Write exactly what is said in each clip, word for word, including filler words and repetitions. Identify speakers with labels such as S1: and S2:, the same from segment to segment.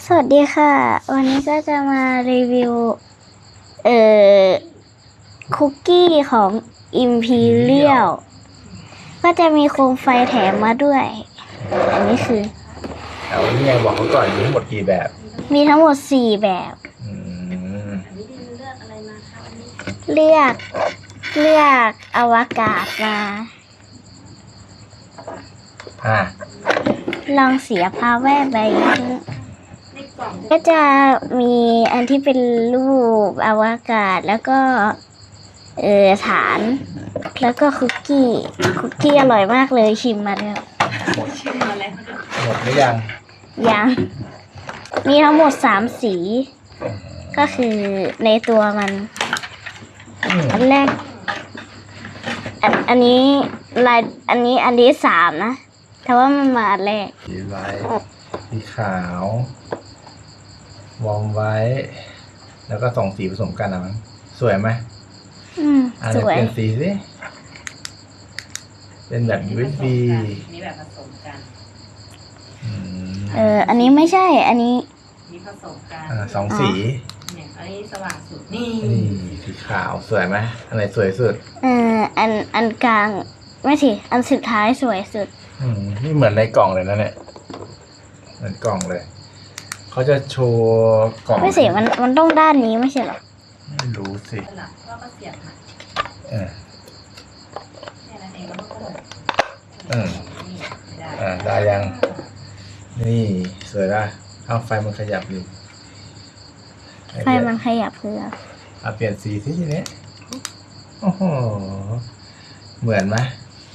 S1: สวัสดีค่ะวันนี้ก็จะมารีวิวเอ่อคุกกี้ของ Imperial ก็จะมีโคมไฟแถมมาด้วยอันนี้คือ
S2: เอานี่ไงบอกเขาก่อนมีทั้งหมดกี่แบบ
S1: มีทั้งหมดสี่แบบ
S2: อืม
S1: เลือกเลือกอวกาศมา
S2: อ่า
S1: ลองเสียภาแวบไปก็จะมีอันที่เป็นรูปอวกาศแล้วก็เออฐานแล้วก็คุกกี้คุกกี้อร่อยมากเลยชิมมาแล้ว
S2: หมดชิมมาแล้วหมดหรือยัง
S1: ยังมีทั้งหมดสามสีก็คือในตัวมันอันแรกอันอันนี้ลายอันนี้อันนี้สามนะแต่ว่ามันมาอันแรก
S2: สีไว้สีขาววอร์มไว้แล้วก็สองสีผสมกันนะมั้งสวยไหม
S1: อืมสวย
S2: เป็นสีสิเป็นแบบ ยู เอส บี
S3: นี่แบบผสมกัน
S1: เอออันนี้ไม่ใช่อันนี้
S3: นี่ผสมกัน
S2: อ่าสองสี
S3: เนี่ยอันนี้สว่างสุดนี่
S2: นี่สีขาวสวยไหมอันไหนสวยสุด
S1: เอออันอันกลางไม่สิอันสุดท้ายสวยสุด
S2: อืมนี่เหมือนในกล่องเลยนะเนี่ยเหมือนกล่องเลยเขาจะโชว์กล่อง
S1: ไม่สิมันมันต้องด้านนี้ไม่ใช่หรอ
S2: ไม่รู้สิ
S3: หลักก็ก็เสียบมา
S2: เออ
S3: แค่นั้นเองแล้วก็กด
S2: เอออ่าได้ยังนี่สวยละเอาไฟมันขยับอยู่
S1: ไฟมันขยับเพื่อ
S2: เอาเปลี่ยนสีสิทีนี้โอ้โหเหมือนไหม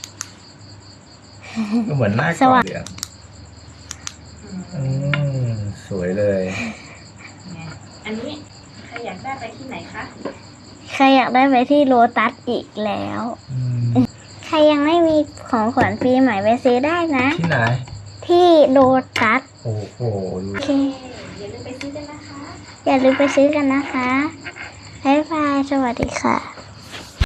S2: ก็เหมือนหน้ากล่องเหลืองอืมสวยเลย
S3: อันนี้ใครอยากได้ไปที่ไหนคะ
S1: ใครอยากได้ไปที่โลตัสอีกแล้วใครยังไม่มีของขวัญปีใหม่ไปซื้อได้นะ
S2: ที่ไหน
S1: ที่โลตัส
S2: โอ้โห
S1: โอเค
S3: อย่าลืมไปซื้อกันนะคะ
S1: อย่าลืมไปซื้อกันนะคะบ๊ายบายสวัสดีค่ะ